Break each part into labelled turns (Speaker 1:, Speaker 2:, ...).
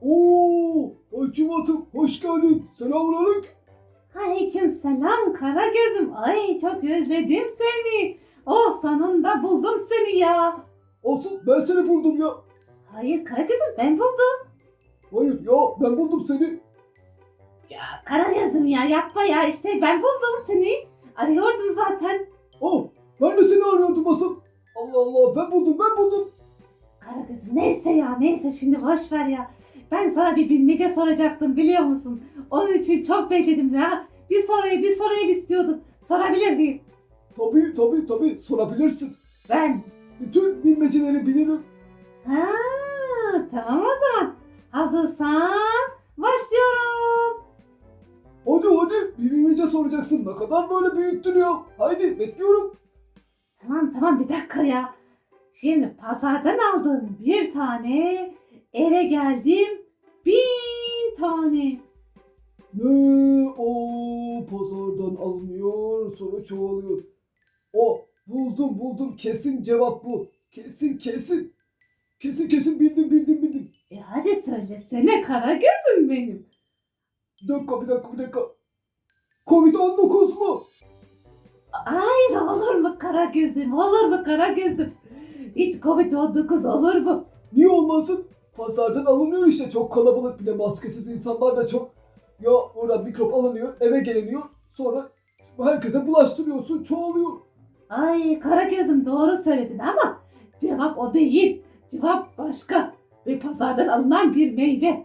Speaker 1: Oo, Hacivat'ım hoş geldin. Selamünaleyküm.
Speaker 2: Aleykümselam Karagöz'üm. Ay çok özledim seni. Oh sonunda buldum seni ya.
Speaker 1: Asıl ben seni buldum ya.
Speaker 2: Hayır Karagöz'üm ben buldum.
Speaker 1: Hayır ya, ben buldum seni.
Speaker 2: Ya Karagöz'üm ya yapma ya işte ben buldum seni. Arıyordum zaten.
Speaker 1: Oh, ben de seni arıyordum asıl. Allah Allah, ben buldum.
Speaker 2: Karagöz'üm neyse ya neyse şimdi boş ver ya. Ben sana bir bilmece soracaktım biliyor musun? Onun için çok bekledim ya. Bir sorayım istiyordum. Sorabilir miyim?
Speaker 1: Tabii sorabilirsin.
Speaker 2: Ben.
Speaker 1: Bütün bilmeceleri bilirim.
Speaker 2: Ha, tamam o zaman. Hazırsan başlıyorum.
Speaker 1: Hadi bir bilmece soracaksın. Ne kadar böyle büyüttün ya. Haydi bekliyorum.
Speaker 2: Tamam bir dakika ya. Şimdi pazardan aldım bir tane, eve geldim 1000 tane.
Speaker 1: Ne o pazardan alınıyor sonra çoğalıyor. O buldum kesin cevap bu. Kesin. Kesin bildim.
Speaker 2: Hadi söylesene Karagöz'üm benim.
Speaker 1: Bir dakika. Covid-19 mu?
Speaker 2: Hayır olur mu Karagöz'üm? Hiç Covid-19 olur mu?
Speaker 1: Niye olmasın? Pazardan alınıyor işte, çok kalabalık, bir de maskesiz insanlar da çok. Ya oradan mikrop alınıyor, eve geliniyor, sonra herkese bulaştırıyorsun, çoğalıyor.
Speaker 2: Ay Karagöz'üm doğru söyledin ama cevap o değil. Cevap başka. Ve pazardan alınan bir meyve.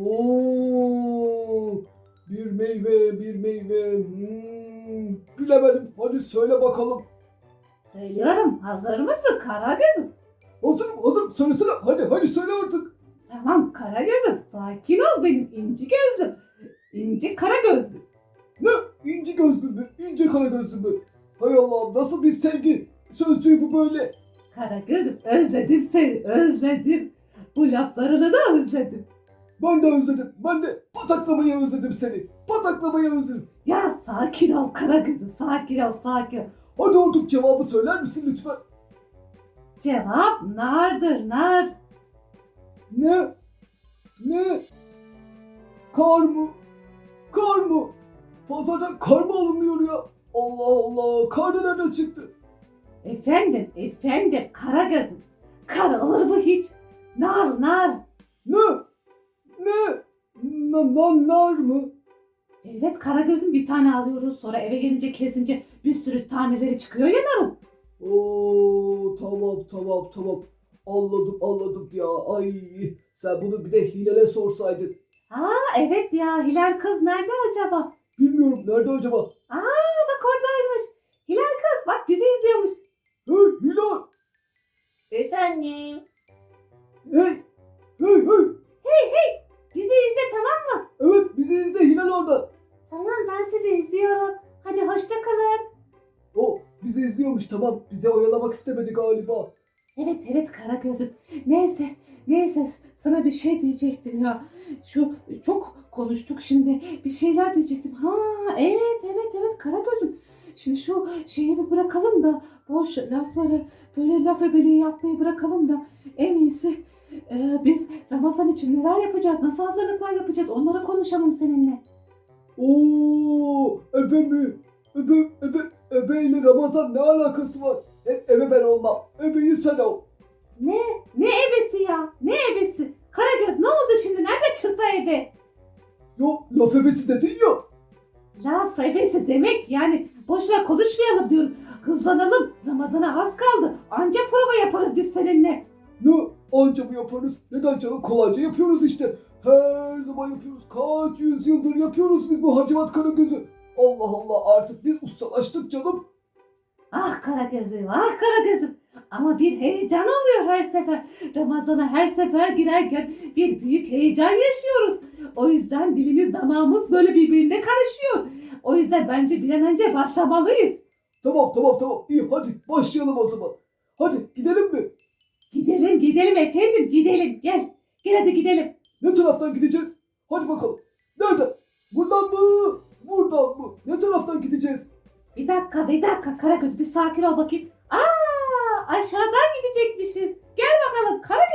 Speaker 1: Oo, bir meyve. Bilemedim. Hadi söyle bakalım.
Speaker 2: Söylüyorum. Hazır mısın Karagöz'üm?
Speaker 1: Hazırım. Söylesene. Hadi söyle artık.
Speaker 2: Tamam Karagöz'üm sakin ol benim inci gözlüm. İnci Karagözlüm.
Speaker 1: Ne? İnci gözlü mü? İnci kara gözlü mü? Hay Allah'ım, nasıl bir sevgi sözcüğü bu böyle?
Speaker 2: Karagöz'üm özledim seni özledim. Bu laflarını da özledim.
Speaker 1: Ben de özledim. Ben de pataklamayı özledim seni. Pataklamayı özledim.
Speaker 2: Ya sakin ol Karagöz'üm sakin ol.
Speaker 1: Hadi artık cevabı söyler misin lütfen?
Speaker 2: Cevap nardır nar.
Speaker 1: Ne? Kar mı? Pazardan kar mı alınıyor ya? Allah Allah, kar da nereden çıktı?
Speaker 2: Efendim Karagöz'üm. Kar olur mu hiç? Nar.
Speaker 1: Ne? Nar mı?
Speaker 2: Evet Karagöz'üm bir tane alıyoruz sonra eve gelince kesince bir sürü taneleri çıkıyor ya narın.
Speaker 1: Oo, tamam. Anladım ya. Ay, sen bunu bir de Hilal'e sorsaydın.
Speaker 2: Evet ya Hilal kız nerede acaba?
Speaker 1: Bilmiyorum, nerede acaba?
Speaker 2: Bak oradaymış. Hilal kız bak bizi izliyormuş.
Speaker 1: Hey Hilal!
Speaker 2: Efendim?
Speaker 1: Hey!
Speaker 2: Bizi izle tamam.
Speaker 1: Evet, bizi izle, Hilal orada.
Speaker 2: Tamam ben sizi izliyorum. Hadi hoşça kalın.
Speaker 1: O bizi izliyormuş, tamam. Bize oyalamak istemedi galiba.
Speaker 2: Evet Karagöz'üm. Neyse sana bir şey diyecektim ya. Şu çok konuştuk şimdi. Bir şeyler diyecektim. Evet Karagöz'üm. Şimdi şu şeyi bir bırakalım da boş lafları böyle laf ebeliği yapmayı bırakalım da en iyisi biz Ramazan için neler yapacağız? Nasıl hazırlıklar yapacağız? Onları konuşalım seninle.
Speaker 1: Oo, ebe mi? Ebe ile Ramazan ne alakası var? Ebe ben olmam. Ebeyi sen ol.
Speaker 2: Ne ebesi ya? Ne ebesi? Karagöz ne oldu şimdi? Nerede çıktı ebe?
Speaker 1: Yo, laf ebesi dedin ya.
Speaker 2: Laf ebesi demek yani boşuna konuşmayalım diyorum. Hızlanalım. Ramazana az kaldı. Anca prova yaparız biz seninle.
Speaker 1: Ne? Anca mı yaparız? Neden canım? Kolayca yapıyoruz işte. Her zaman yapıyoruz. Kaç yüzyıldır yapıyoruz biz bu Hacivat Karagöz'ü. Allah Allah, artık biz ustalaştık canım.
Speaker 2: Ah Karagöz'üm. Ama bir heyecan oluyor her sefer. Ramazana her sefer girerken bir büyük heyecan yaşıyoruz. O yüzden dilimiz damağımız böyle birbirine karışıyor. O yüzden bence bir an önce başlamalıyız.
Speaker 1: Tamam. İyi, hadi başlayalım o zaman. Hadi gidelim mi?
Speaker 2: Gidelim efendim gidelim. Gel hadi gidelim.
Speaker 1: Ne taraftan gideceğiz? Hadi bakalım. Nereden? Buradan mı? Ne taraftan gideceğiz?
Speaker 2: Bir dakika Karagöz bir sakin ol bakayım. Aşağıdan gidecekmişiz. Gel bakalım Karagöz.